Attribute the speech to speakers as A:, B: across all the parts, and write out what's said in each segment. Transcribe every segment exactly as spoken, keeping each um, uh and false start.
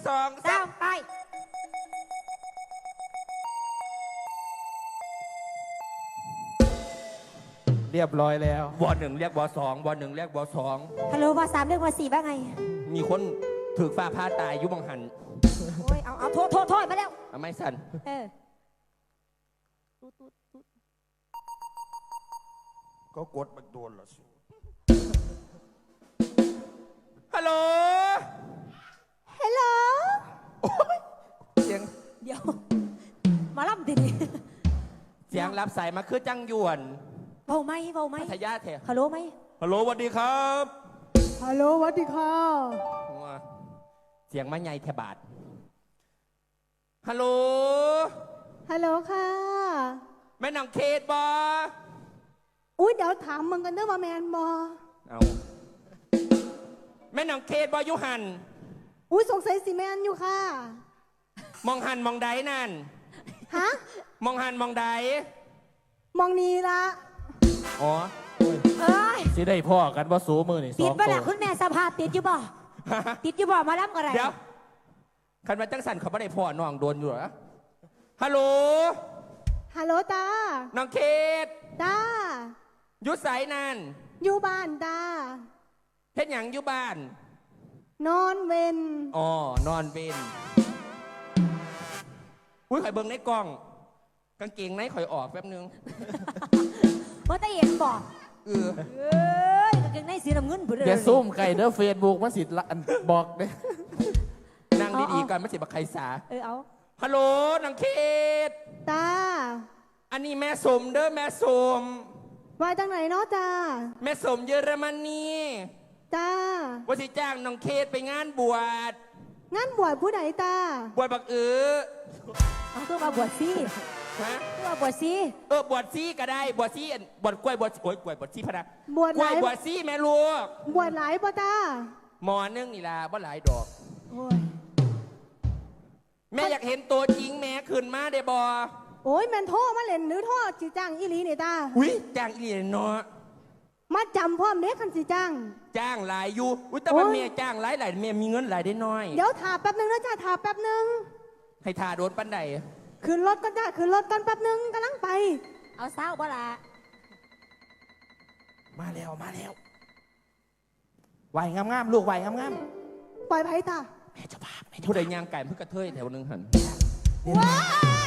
A: สองสาม
B: ไป
C: เรียบร้อยแล้ว
A: วอหนึ่งเรียกวอสองวอหนึ่งเรียกวอสอง
B: ฮัลโหลวอสามเรียกวอสี่บ้างไง
A: มีคนถือฟ้าผ้าตายยุบังหัน
B: โอ้ยเอาเอาโทษโทษโทษมาแล้ว
A: เอาไม่สั่น
B: เออ
D: ก็กดมันโดนละสู
A: ฮัลโหล
B: ฮัลโหล
A: เสียง
B: เดี๋ยวมาล่ำดิ
A: เสียงรับสายมาคือจังยวน
B: เบาไหมเบาไหม
A: พัทยาเถอะ
B: ฮัลโหลไหม
A: ฮัลโหลสวัสดีครับ
B: ฮัลโหลสวัสดีค่ะ
A: เสียงมาใหญ่แทบาดฮัลโหล
B: ฮัลโหลค่ะ
A: แม่นางเคทบอ
B: อุ้ยเดี๋ยวถามมึงกันเด้อว่าแมนบอ
A: เอาแม่นางเคทบอยุหัน
B: อุ้ยสงสัยสิแมนอยู่ค่ะ
A: มองหันมองใดนั่น
B: ฮะ
A: มองหันมองใด
B: มองนี้ละ
A: อ๋อ
C: เอ้ยสิได้พ่อกันว่าสูมือนี่
B: ติดบ่ล่ะคุณแม่สภาพติดอยู่บ่ติดอยู่บ่มาล้ำอะไร
A: เดี๋ยวคันมาจังสันเขาไม่ได้พ่อน้องโดนอยู่เหรอฮัลโหล
B: ฮัลโหลตา
A: น้องเคท
B: ตา
A: ยุสายนั่น
B: อยู่บ้านตา
A: เฮ็ดหยังอยู่บ้าน
B: นอนเว้น
A: อ๋อนอนเว้นอุ้ยข่อยเบิ่งในกล้องกางเกงในข่อยออกแป๊บนึง
B: ว่าตาเห็นบอก
A: เออ
B: เอ้ยกางเกงในสีน้ำเงินผู้
C: เดี๋ยวซุ่มไก่เด้อเฟซบุ๊กมันสิบอกเด้
A: นั่งดีๆก่อนไม่สิบักใครสา
B: เออเอา
A: ฮัลโหลนางเคท
B: ตา
A: อันนี้แม่สมเด้อแม่สม
B: มาจากไหนเนาะตา
A: แม่สมเยอรมนี
B: ตา
A: ว่าสิจ้างน้องเคทไปงานบวช
B: งานบวชผู้ใดตา
A: บวชบักเออ
B: เอาตัวมาบวชซี
A: ฮะ
B: ตัวมาบวชซี
A: เออบวชซีก็ได้บวชซีบวชกล้วยบวชโอ้ยกล้วยบวชซีพะนะ
B: บวช
A: กล้วยบวชซีแม่ลูก
B: บวชหลายป่ะตา
A: หมอนึงนี่ล่ะบ่หลายดอก
B: โอ้ย
A: แม่อยากเห็นตัวจริงแม่ขึ้นมาได้บ่
B: โอ้ยแม่นโทษมาเล่นหรือโทษจีจ้างอีหลีนี่ตา
A: อุ้ยจ้างอีหลีเนาะ
B: มาจำพ่อมเด็กคันจีจ้าง
A: จ้างหลายอยู่อุ้ยแต่ว่าแม่จ้างหลายหลายแม่มีเงินหลายได้น้อย
B: เดี๋ยวถาแป๊บนึงนะจ้าถาแป๊บนึง
A: ให้ทาโดนปันใด
B: ขึ้นรถกันจ้าขึ้นรถกันแป๊บนึงกำลังไปเอาเศร้าบ่ละ
C: มาแล้วมาแล้วไหวงามๆลูกไหวงาม
B: ๆปล่อยไผ่ตา
C: แม่เจ้าภาพ
A: ผู้ใดย่างไก่เพื่อกระเทยแถวนึงหัน
B: ว้า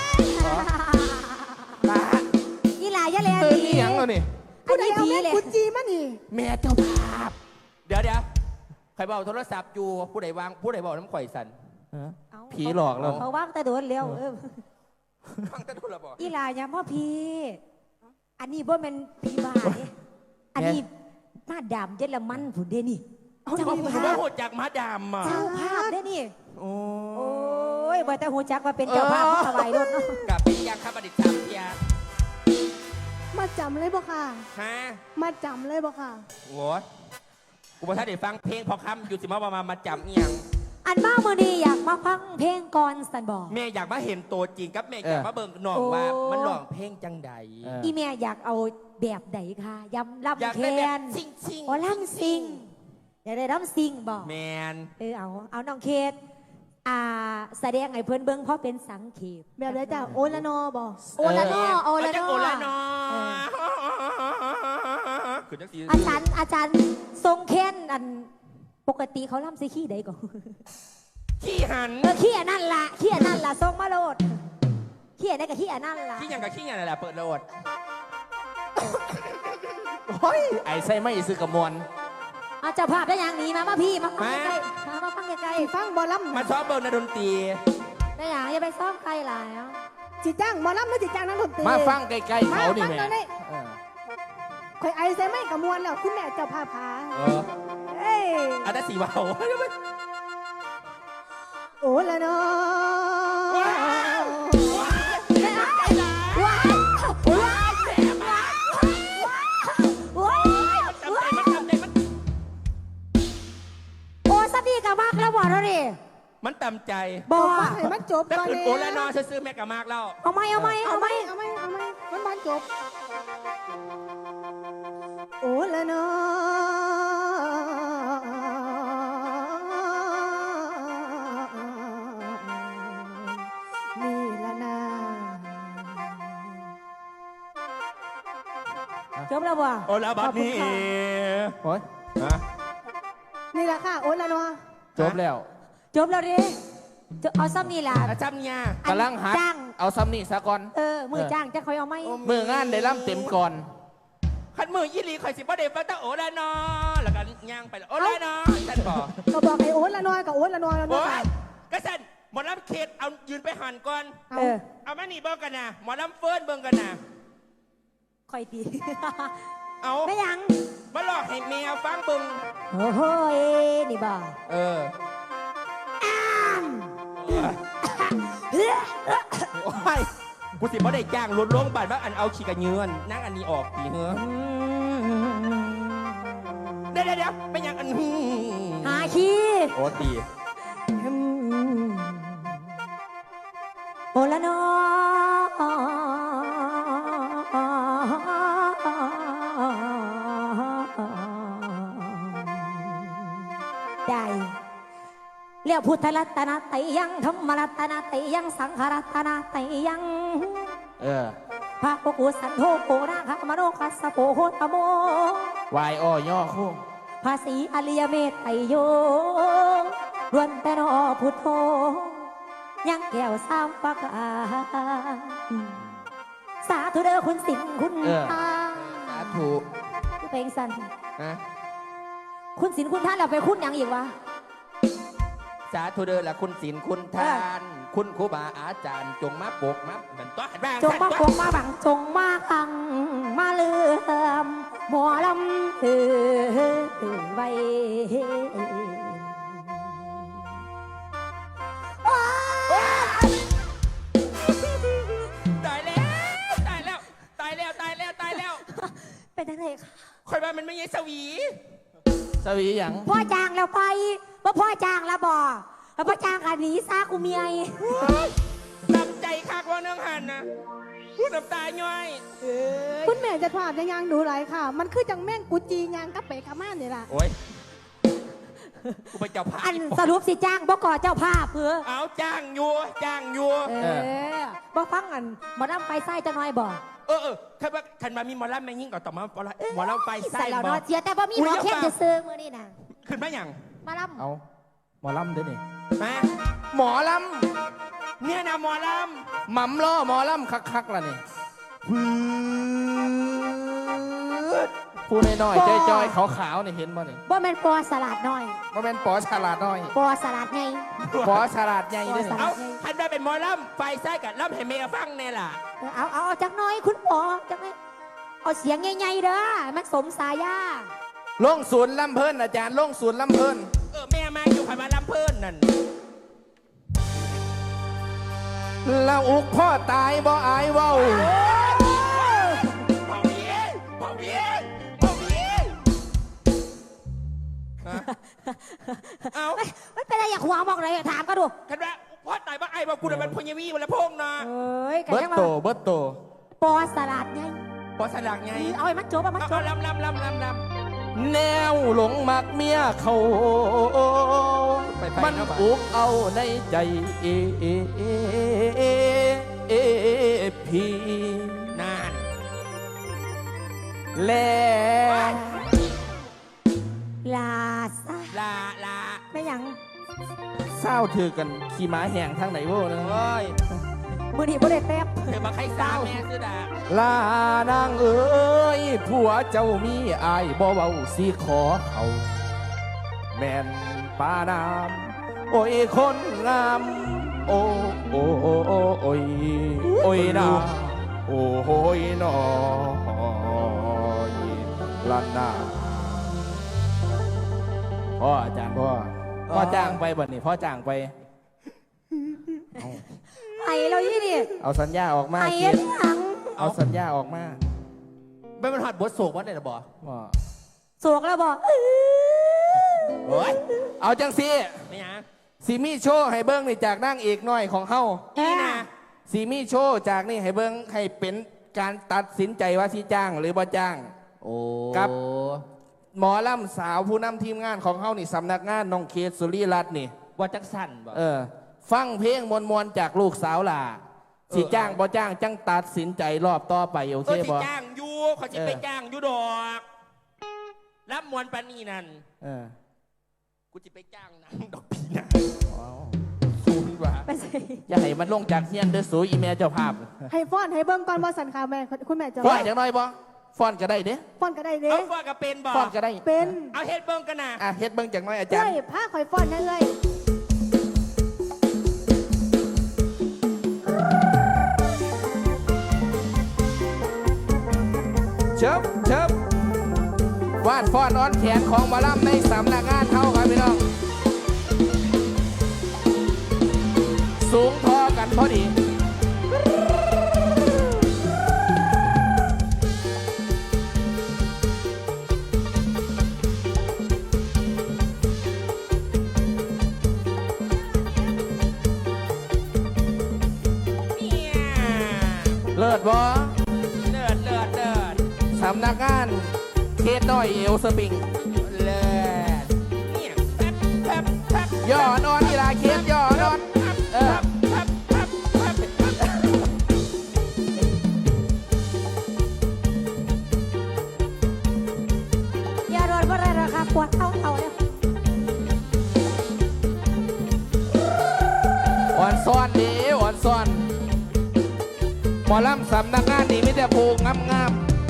B: ยี่หลายยะเลย
C: ตีหยังแล้วนี่
B: ผู้ใดเอาแม่กุจีมานี่
C: แม่เจ้าภาพ
A: เดี๋ยวเดี๋ยวใครบอกโทรศัพท์อยู่ผู้ใดวางผู้ใดบอกน้ำข่อยสัน
C: ผีหลอกเรา
B: เขาว่างแต่โดนเร็ว
A: ว่างแต่โดนระบอก
B: ยี่หลายยังพ่อพี่อันนี้บ่เป็นผีบ้าเนี่ยอันนี้มาดามเยอรมันผุนเดนี่
A: เจ้าภาพโหดจากมาดามอ่ะ
B: เจ้าภาพเดนี่โอ้ยบ่แต่หูจักว่าเป็นเจ้าภาพผู้ถวายรถเนาะ
A: กับเป็นยังครับอดีตสามเทีย
B: มาจำเลยบ่ค่ะ
A: ฮะ
B: มาจำเลยบ่ค่ะ
A: โอ้ยกูบอกถ้าได้ฟังเพลงพอคำอยู่สิมาประมาณมาจำเอียง
B: อันบ้ามือดีอยากมาฟังเพลงก่อนสันบอก
A: แม่อยากมาเห็นตัวจริงกับแม่อยากมาเบิ่งน้องว่ามันร้องเพลงจังใด
B: อีแม่อยากเอาแบบใดค่ะยำลำแคน
A: ซิงซิง
B: อ๋อลำซิงอยากได้ลำซิงบอก
A: แมน
B: เออเอาเอาน้องเคทอ่าแสดงไอ้เพื่อนเบิ้งเพราะเป็นสังเขปแบบไรจ้าโอละนอบอกโอละนอโอละนอ
A: โอละนอ
B: อาจารย์อาจารย์ทรงเค้นอันปกติเขาล่ำซีขี้ใดก่อน
A: ขี้หัน
B: เออขี้อันนั่นละขี้อันนั่นละทรงมาโลดขี้อันนั่นกับขี้อันนั่นละ
A: ขี้ยังกับขี้ยังนั่นแหละเปิดโลด
C: โอ้ยไอ้ไส้ไม่ซื้อกระมวล
B: อาจะภาพได้อย่างนี้มามาพี่มาฟังใกล้ๆมามาฟังใกล้ๆฟังบอลลัม
A: มาซ้อมเบิร์นดนตรี
B: ได้อย่างอย่าไปซ้อมใครหลายจิจ้างบอลลัมไม่จิจ้างนักดนตรี
C: มาฟังใกล้ๆเขานี่แม่
B: คอยไอใส่ไม่กระมวลแล้วคุณแม่เจ้าภาพพา
A: เออเอ้อาจจะสีเบา
B: โอ้ละเนากับมากแล้วบอกเราดิ
A: มันตำใจ
B: บอกให้มันจบ
A: ก่อนเลยโอละนอซื้อแม่กับมากแล้ว
B: เอาไหมเอาไหมเอาไหมเอาไหมเอาไหมมันมันจบโอละนอจบแล้วบ่
A: โอลาบัดนี้
B: ขอบคุณค่ะ
C: โอ้ย
A: ฮะ
B: นี่แหละค่ะโอนละเนาะ
C: จบแล้ว
B: จบแล้วดิจะเอาซ้ำนี่ล่ะ
A: อาจารย์เนี่ย
B: อัน
C: กำลังหัด
B: จ้าง
C: เอาซ้ำนี่ซะก่อน
B: เออมือจ้างจะคอยเอาไหม
C: มืองานได้ล่ำเต็มก่อน
A: ขันมือยี่หลีข่อยสิบ่ได้ฟังแต่โอลานอแล้วก็ย่างไปแล้วโอลานอท่านบอก
B: ก็บอกให้โอนละเนาะกับโอนละเนาะแล้ว
A: โอ้
B: เนาะ
A: ยกระสันหมอลำเขตเอายืนไปหันก่อน
B: เออ
A: เอามานี่เบิ่งกันนะหมอลำเฟิร์นเบิ่งกันนะ
B: คอยตี
A: เอา
B: ไม่ยัง
A: มาหลอกให้แมวฟังเบิ่ง
B: โอ้โหนี่บ่
A: เออโอ้ยกูสิบ่ได้จ้างรถลงบาทว่าอันเอาขี้กระเยือนนั่งอันนี้ออกปีเหรอเดี๋ยวเดี๋ยวเดี๋ยวเป็นยังอัน
B: หาขี้
A: โอ้ตี
B: โอละเนาได้เรียกพุทธรัตนะไตยังธรรมรัตนะไตยังสังฆรัตนะไตยัง
C: เออ
B: พระโกกุสันโธโกนาคามโนคัสสะโปโหตโม
C: วายอ้อย่อคู่
B: ภาษีอริยเมตไตโยล้วนแต่นอพุทโธยังแก้วสามปากาสาธุเด้อคุณสิงห์คุณ
C: เออ
B: ทา
C: สาธุ
B: เพลงสั้น
C: นะ
B: คุณสินคุณท่านเราไปคุณหยังอีกวะ
A: สาธุเด้อละคุณศีลคุณทาน คุณครูบาอาจารย์จงมาปกมาเหมือนตัวบ้าง
B: จงมาปกมาบังจงมาอังมาเลื่อมหมอลำเออไว้โอ๊ย
A: ตายแล้วตายแล้วตายแล้วตายแล้วตายแล้ว
B: เป็นยังไงคะ
A: คอยว่ามันไม่ใช่สวี
C: สวีหยัง
B: พ่อจ้างเราไปว่าพ่อจ้างเราบ่แล้วพ่อจ้างกันหนีซากูเมีย
A: ตำใจคักว่าเนื่องหันนะพูดน้ำตาย่อย
E: คุณแม่จะถามยังยังหนูหลายค่ะ มันคือจังแม่งกุจียางกับเปกาม่านนี่ล่ะ
A: โอ้ยกูไปเจ้าภาพ
B: อันสรุปสิจ้างบ่ก่อเจ้าภาพเพื่อ
A: เอาจ้างอยู่จ้างอยู่
B: เออบ่ฟังอันบ่นำไปไส้จะน้อยบ่
A: เออเออคันว่าคันมามีหมอลำแม่งยิ่งก่อนต่อมาหมอลำหมอลำไปไส้
B: ใส่เรา
A: บอ
B: เนาะเจียแต่บ่มีหมอเข้มจะซื้อมื้อนี้น่ะ
A: ขึ้นมาอย่าง
B: มาล
C: เอาหมอลำเด้อนี่
A: มา
C: หมอล
A: เนี่ยนะหมอล
C: ำหม่ำล้อหมอลำคักๆล่ะนี่ผู้น้อยๆจอยๆขาวๆนี่เห็นบ่นี่
B: ำบ่แม่นปอสลัดน้อย
C: บ่แม่นปอฉลาดน้อย
B: ปอสลัดไง
C: ปอฉลาดใหญ่เด้อ
B: ปอฉ
C: นี่
B: ลาด
A: ำเอาคันว่าเป็นหมอลำไฟไส้กับลำให้เมียฟังเนี่ยล่ะ
B: เออเอาเอาเอาจักหน้อยคุณปอจักหน้อยเอาเสียงใหญ่ๆเด้อมันสมสายา
C: ลงศูนย์ลำเพิ่นอาจารย์ลงศูนย์ลำเพิ่น
A: เออแม่มาอยู่ขันมาลำเพิ่นนั่น
C: แล้วอุกพ่อตายบ่อายเว้า
A: เบาเบี้ยเบาเบี้ยเบาเบี้ยฮะเอา
B: ไม่เป็นไรอย่าขวางบอกเลยถามก็ดู
A: คันว่าพ่อตายบ้าไอ้บ้ากูน่ะมันพญวีวันละพงษ์นะ
B: เอ้ยกัน
C: เบิด
B: ยัง
C: โต
B: ว่า
C: เบิดโต
B: ปอสลัดไง
A: พอสลักไง
B: เอาไอ้มันจบเอามัน
A: เอา
B: จ
A: เอา
B: บ
A: ลำลำลำลำลำ
C: แนวหลงมักเมียเขา
A: ไปไป
C: มัน
A: เนาะบ่
C: อุกเอาในใจเอเอเอเอเอพี่
A: นาน
C: แล้ว
B: ลาซะ
A: ลาลา
B: ไม่หยัง
C: เศร้าถือกันขี่ม้าแห่งทางไหนบ่นะ
A: โอ้ย
B: มือนี้บ่ได้แป๊บ
A: เธอมาใครสาวแม่ซื้อดา
C: ลานางเอ้ยผัวเจ้ามีอายบ่เว้าสิขอเขาแม่นปานามโอ้ยคนงามโอ้โอ้โอ้โอ้โอ้ยโอ้ยนาโอ้โอ้ยนอยลันนาพ่ออาจารย์พ่อพ่อจ้างไปบัดนี้พ่อจ้างไป
B: ไอ้เรายี่นี่
C: เอาสัญญาออกมา
B: ไอ้
C: เกียรติ
B: หยัง
C: เอาสัญญาออกมา
A: ไม่มันหัดบทโศกวะเนี่ยนะบอ
C: ว่า
B: โศกแล้วบอก
A: โอ้ย
C: เอาจังสิ
A: ไม่ยัง
C: สีมีโชว์ให้เบิ้งนี่จากนั่งเอกน้อยของเฮา
A: นี่นะ
C: สีมีโชว์จากนี่ให้เบิ้งให้เป็นการตัดสินใจว่าสิจ้างหรือบ่จ้าง
A: โอ้
C: ครับ หมอลำสาวผู้นำทีมงานของเฮานี่สำนักงานน้องเคสสุริรัตน์นี่
A: ว่าจักสันบอ
C: เออ ฟังเพลงมวลๆจากลูกสาวหล่าสิจ้างบ่จ้างจังตัดสินใจรอบต่อไปโอ
A: เอ
C: เค
A: อสิ
C: บ่
A: จ้างอยู่เขาจะไปจ้างอยู่ดอกรับมวลปานีนั่น
C: เออ
A: กูจะไปจ้างนางดอกพีนา
C: ว้าวสูงว่ะ
B: ไปใส่
C: อย่าให้มันลงจากเฮียนเด้อสูอีเมลเจ้าภาพ
E: ให้ฟ้อนให้เบิ่งก่อนบ่สันค่ะแม่คุณแม่จะ
C: ฟอนอย่างน้อยบ่ฟอนก็ได้เด้
E: ฟ้อนก็ได้เด้
A: เอาว่ากับเป็นบ่
C: ฟอนก็ได้
E: เป็น
A: เอาเฮ็ดเบิ้งกันนะ
C: อ่ะเฮ็ดเบิ่งจากน้อยอาจาร
E: เอ้
C: ย์
E: ยผ้าข่อยฟ้อนนะเอ้ย
C: เชิบเชิบวาดฟอนอ้อนแขนของหมาล่ำในสำนักงานเขาครับพี่น้อง สูงพอกันพอดี
A: เนี่ย
C: เลิศบ่
A: เลิศเลิศเลิศ
C: สำนักงานเขตน้อยเอลสปริง
A: เลิศเนี่ยแป๊บแป๊บแป๊บ
C: ย่อนอนกีฬาเขตย่อนอนเออ
A: แป๊บแป๊บแป๊บแป๊บ
B: อย่าโดนบ่ได้หรอกค่ะปวดเอาเอาแล้ว
C: อ่อนซ่อนดีอ่อนซ่อนหมอลำสำนักงานนี่มีแต่ผูกงามงาม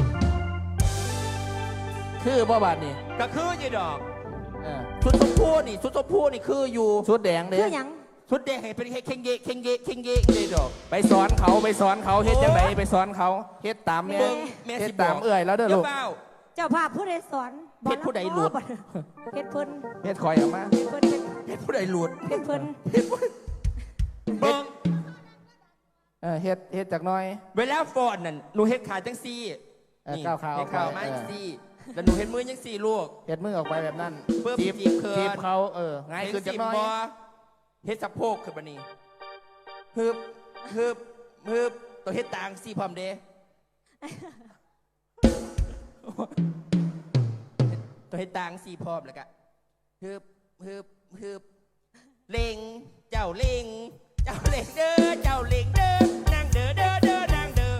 C: ๆคือบ่บาดนี่
A: ก็คือยี่ดอก
C: เออ
A: ชุดชมพูนี่ชุดชมพูนี่คืออยู่
C: ชุดแดงเด้
B: คือหยัง
A: ชุดแดงให้เป็นเคงเกะเคงเกะเคงเกะเลยดอก
C: ไปสอนเขาไปสอนเขาเฮ็ดจังไดไปสอนเขาเฮ็ดตามแม่
A: เบิ่งแม่
C: เฮ็
A: สิ
C: ด
A: บอ
C: ตาก มเอื่อยแล้วเด้อลูก
A: เป้า
B: เจ้าภาพผู้ใดสอนบ่
A: เฮ็ดผู้ใดหลุด
B: บ่เฮ็ดเพิ่น
C: เฮ็ดคอยออกมา
B: เฮ็ดเพิ่น
A: เฮ็ดผู้ใดหลุด
B: เฮ็ดเพิ่น
A: เบิ่ง
C: เออเฮ็ดเฮ็ดจากหน้อย
A: เวลาฟอนนั่นหนูเฮ็ดขาจังซี่
C: เออก้าวขาออกไป
A: เฮ็ดขามา
C: เออ
A: จังซี่แล้วหนูเฮ็ดมือจังซี่ลูก
C: เฮ็ดมือออกไปแบบนั้น
A: เพิ่ม
C: จีบ
A: จีบเขิน
C: จีบเขาเออง่ายขึ้นจากหน้อย
A: เฮ็ดสิบ่เฮ็ดสะโพกขึ้นบัดนี้ฮึบฮึบฮึบตัวเฮ็ดตางซี่พร้อมเด้ตัวเฮ็ดตางซี่พร้อมแล้วก็ฮึบฮึบฮึบเล็งเจ้าเล็งเจ้าเล็งเด้อเจ้าเล็งเด้อนางเด้อเด้อเด้อนางเด้อ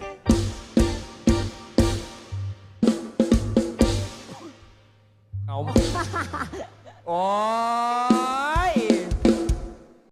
A: เอา โอ้ย